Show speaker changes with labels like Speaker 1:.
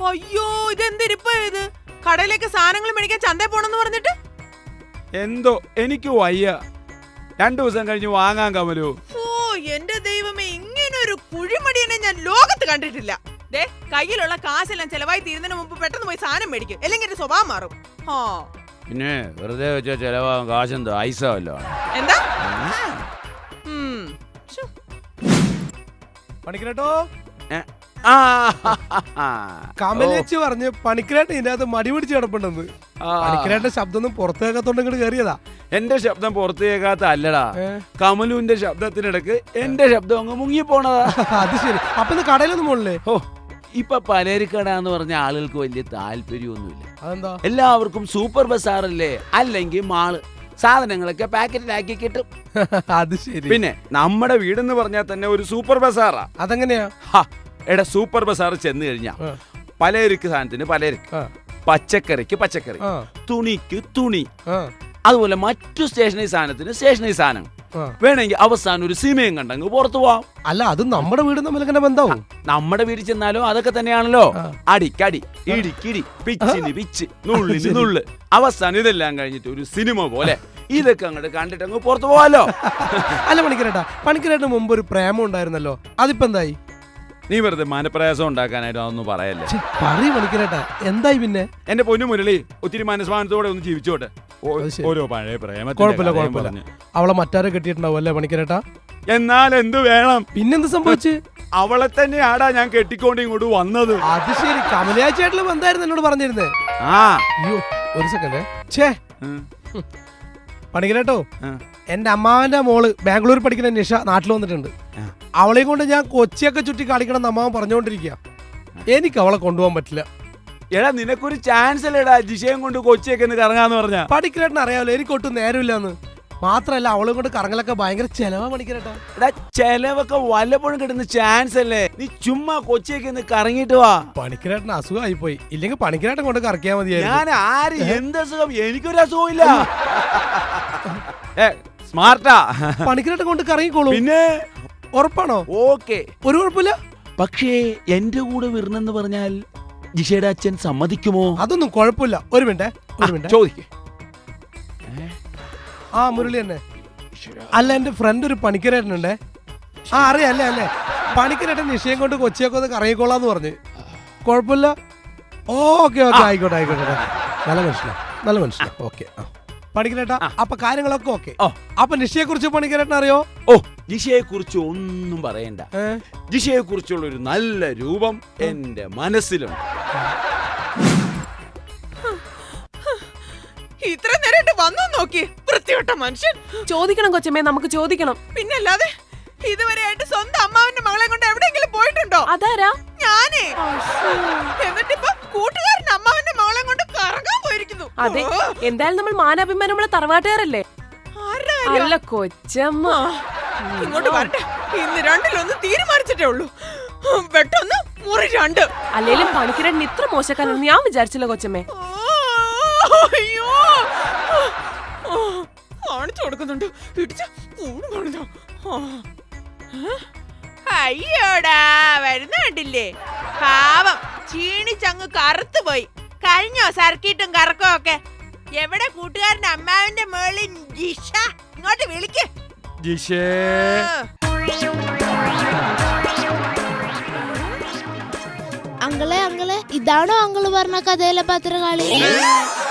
Speaker 1: അയ്യോ ഇതെന്തിരിപ്പ ഇത്? കടയിലേക്ക് സാധനങ്ങൾ മേടിക്കാൻ ചന്തയിൽ പോണെന്ന് പറഞ്ഞിട്ട്
Speaker 2: എന്തോ എനിക്ക് വയ്യ. 2 ദിവസം കഴിഞ്ഞ് വാങ്ങാൻ കമലു.
Speaker 1: ഓ എന്റെ ദൈവമേ, ഇങ്ങനൊരു കുഴിമടിയനെ ഞാൻ ലോകത്ത് കണ്ടിട്ടില്ല. ദേ കയ്യിലുള്ള കാശെല്ലാം ചെലവായി തീരുന്നതിന് മുമ്പ് പെട്ടെന്ന് പോയി സാധനം മേടിക്കും, അല്ലെങ്കിൽ എന്റെ സ്വഭാവം മാറും.
Speaker 2: പിന്നെ വെറുതെ വെച്ചാ ചെലവാകും കാശെന്തോ ഐസല്ലോ.
Speaker 1: എന്താ
Speaker 3: പണിക്കരട്ടോ കമലേച്ചി പറഞ്ഞ് പണിക്കരേട്ടൻ ഇതിനകത്ത് മടി പിടിച്ച് കിടപ്പുണ്ടെന്ന്. പണിക്കരേട്ടന്റെ ശബ്ദം ഒന്നും പുറത്തു കേൾക്കാത്തോണ്ട് ഇങ്ങോട്ട് കയറിയതാ.
Speaker 2: എന്റെ ശബ്ദം പുറത്തു കേൾക്കാത്ത അല്ലടാ, കമലുവിന്റെ ശബ്ദത്തിനിടക്ക് എന്റെ ശബ്ദം അങ്ങ് മുങ്ങിപ്പോണതാ.
Speaker 3: അത് ശരി. അപ്പൊ ഇന്ന് കടയിലൊന്നും പോണില്ലേ?
Speaker 2: ഓ ഇപ്പൊ പലചരക്കട എന്ന് പറഞ്ഞ ആളുകൾക്ക് വലിയ താല്പര്യമൊന്നുമില്ല.
Speaker 3: അതെന്താ?
Speaker 2: എല്ലാവർക്കും സൂപ്പർ ബസാറല്ലേ, അല്ലെങ്കിൽ മാള്. സാധനങ്ങളൊക്കെ പാക്കറ്റിലാക്കി കിട്ടും.
Speaker 3: അത് ശരി.
Speaker 2: പിന്നെ നമ്മുടെ വീടെന്ന് പറഞ്ഞാൽ തന്നെ ഒരു സൂപ്പർ ബസാറാ.
Speaker 3: അതെങ്ങനെയാ?
Speaker 2: എടാ സൂപ്പർ ബസാർ ചെന്ന് കഴിഞ്ഞാ പലചരക്ക് സാധനത്തിന് പലചരക്ക്, പച്ചക്കറിക്ക് പച്ചക്കറി, തുണിക്ക് തുണി, അതുപോലെ മറ്റു സ്റ്റേഷനറി സാധനത്തിന് സ്റ്റേഷനറി സാധനം. വേണമെങ്കിൽ അവസാനം ഒരു സിനിമയും കണ്ടങ്ങ് പുറത്തു പോവാം.
Speaker 3: അല്ല അത് നമ്മുടെ വീട് തമ്മിൽ എങ്ങനെ ബന്ധവും?
Speaker 2: നമ്മുടെ വീട്ടിൽ ചെന്നാലും അതൊക്കെ തന്നെയാണല്ലോ. അടിക്കടി, ഇടിക്കിടി, പിച്ചിന് പിച്ച്, നുള്ളിന് നുള്ള്. അവസാനം ഇതെല്ലാം കഴിഞ്ഞിട്ട് ഒരു സിനിമ പോലെ ഇതൊക്കെ അങ്ങോട്ട് കണ്ടിട്ട് അങ്ങ് പുറത്തു പോവാലോ.
Speaker 3: അല്ല പണിക്കരേട്ടന് മുമ്പ് ഒരു പ്രേമം ഉണ്ടായിരുന്നല്ലോ, അതിപ്പോ എന്തായി?
Speaker 2: നീ വെറുതെ മനപ്രയാസം ഉണ്ടാക്കാനായിട്ട് അതൊന്നും പറയല്ലേ.
Speaker 3: പറയ് പണിക്കരേട്ടാ, എന്തായി? പിന്നെ
Speaker 2: എന്റെ പൊന്നു മുരളി ഒത്തിരി മനസ്മാനത്തോടെ ഒന്ന് ജീവിച്ചോട്ടെ. ഓരോ പഴയ പ്രേമം.
Speaker 3: കുഴപ്പമില്ല. അവളെ മറ്റാരെ കെട്ടിയിട്ടുണ്ടാവും അല്ലേ പണിക്കരേട്ടാ?
Speaker 2: എന്നാൽ എന്ത് വേണം?
Speaker 3: പിന്നെന്ത് സംഭവിച്ചു?
Speaker 2: അവളെ തന്നെയാടാ ഞാൻ കെട്ടിക്കൊണ്ട് ഇങ്ങോട്ട് വന്നത്.
Speaker 3: അത് ശരി. കമലയാച്ചേട്ടലും എന്തായിരുന്നു എന്നോട് പറഞ്ഞിരുന്നേ? അയ്യോ ഒരു സെക്കൻഡ്. പണിക്കരേട്ടോ, എന്റെ അമ്മാവന്റെ മോള് ബാംഗ്ലൂർ പഠിക്കുന്ന നിഷ നാട്ടിൽ വന്നിട്ടുണ്ട്. അവളെയും കൊണ്ട് ഞാൻ കൊച്ചിയൊക്കെ ചുറ്റി കളിക്കണം എന്ന് അമ്മാവൻ പറഞ്ഞുകൊണ്ടിരിക്കുക. എനിക്ക് അവളെ കൊണ്ടുപോകാൻ പറ്റില്ല.
Speaker 2: എടാ നിനക്കൊരു ചാൻസ് അല്ലേടാ ജിഷയും കൊണ്ട് കൊച്ചിയൊക്കെ കറങ്ങാന്ന് പറഞ്ഞ.
Speaker 3: പണിക്കരേട്ടൻ അറിയാമല്ലോ എനിക്ക് ഒട്ടും നേരമില്ലാന്ന്. മാത്രല്ല അവളെ കൊണ്ട് കറങ്ങലൊക്കെ ഭയങ്കര ചെലവാ പണിക്കരേട്ടാ.
Speaker 2: എടാ ചെലവൊക്കെ വല്ലപ്പോഴും കിട്ടുന്ന ചാൻസ് അല്ലേ. നീ ചുമ്മാ കൊച്ചിയൊക്കെ കറങ്ങിട്ട് വാ.
Speaker 3: പണിക്കരേട്ടന് അസുഖമായി പോയി. ഇല്ലെങ്കിൽ പണിക്കരേട്ടൻ കൊണ്ട് കറക്കിയാ മതിയായിരുന്നു.
Speaker 2: ഞാൻ ആര് എന്ത് അസുഖം? എനിക്കൊരു അസുഖവും ഇല്ല. സ്മാർട്ടാ.
Speaker 3: പണിക്കരേട്ടൻ കൊണ്ട് കറങ്ങിക്കോളൂ.
Speaker 2: പിന്നെ
Speaker 3: ഉറപ്പാണോ?
Speaker 2: ഓക്കെ,
Speaker 3: ഒരു കുഴപ്പമില്ല.
Speaker 2: പക്ഷേ എന്റെ കൂടെ വരണെന്ന് പറഞ്ഞാൽ ജിഷയുടെ അച്ഛൻ സമ്മതിക്കുമോ?
Speaker 3: അതൊന്നും കുഴപ്പമില്ല. ഒരു മിനിറ്റ്
Speaker 2: ചോദിക്കേ.
Speaker 3: മുരളി തന്നെ. അല്ല എന്റെ ഫ്രണ്ട് ഒരു പണിക്കരേട്ടനുണ്ടേ. അറിയാം അല്ലേ. പണിക്കരേട്ടൻ നിശ്ചയം കൊണ്ട് കൊച്ചിയൊക്കെ ഒന്ന് കറങ്ങിക്കോളാന്ന് പറഞ്ഞ്. കുഴപ്പമില്ല. ഓക്കെ ആയിക്കോട്ടെ. നല്ല മനുഷ്യനാ. ഓക്കെ പണിക്കരേട്ടാ, അപ്പൊ കാര്യങ്ങളൊക്കെ ഓക്കെ. അപ്പൊ നിഷയെ കുറിച്ച് പണിക്കരേട്ടൻ അറിയോ?
Speaker 2: ജിഷയെ കുറിച്ച് ഒന്നും പറയണ്ട. ജിഷയെ കുറിച്ചുള്ള ഒരു നല്ല രൂപം എന്റെ മനസ്സിലുണ്ട്.
Speaker 1: ഇത്ര നേരമായിട്ട് വന്നു നോക്കി വൃത്തികെട്ട മനുഷ്യൻ.
Speaker 4: ചോദിക്കണം കൊച്ചമ്മേ, നമുക്ക് ചോദിക്കണം.
Speaker 1: പിന്നല്ലാതെ ഇതുവരെയായിട്ട് സ്വന്തം അമ്മാവന്റെ മകളെ കൊണ്ട് എവിടെയെങ്കിലും പോയിട്ടുണ്ടോ?
Speaker 4: അതാരാ?
Speaker 1: ഞാനേ. എന്നിട്ടിപ്പോ കൂട്ടുകാരൻ അമ്മാവന്റെ മകളെ കൊണ്ട് കറങ്ങാൻ പോയിരിക്കുന്നു.
Speaker 4: അതെ, എന്തായാലും നമ്മൾ മാനാഭിമാനമുള്ള തറവാട്ടുകാരല്ലേ. അല്ല കൊച്ചമ്മ
Speaker 1: ഇങ്ങോട്ട് വരട്ടെ. ഇന്ന് രണ്ടിലൊന്ന് തീരുമാനിച്ചിട്ടേ ഉള്ളൂ. വെട്ടൊന്ന് മുറി രണ്ട്.
Speaker 4: അല്ലേലും പണിക്കരൻ ഇത്ര മോശക്കാരെന്ന് ഞാൻ വിചാരിച്ചില്ല കൊച്ചമ്മേ.
Speaker 1: അയ്യോ കാണിച്ചു കൊടുക്കുന്നുണ്ട്. ഇടിച്ച കൂട് കാണിച്ചോ. അയ്യോടാ വരുന്ന കണ്ടില്ലേ? പാവം ക്ഷീണിച്ചങ്ങ് കറുത്തു പോയി. കഴിഞ്ഞോ സർക്കിട്ടും കറക്കോ ഒക്കെ? എവിടെ കൂട്ടുകാരന്റെ അമ്മാവിന്റെ മേളിൽ ജിഷ? ഇങ്ങോട്ട് വിളിക്ക്.
Speaker 2: ജിഷേ
Speaker 5: അങ്കിളെ ഇതാണോ അങ്കിള് പറഞ്ഞ കഥയിലെ പത്രകാളി?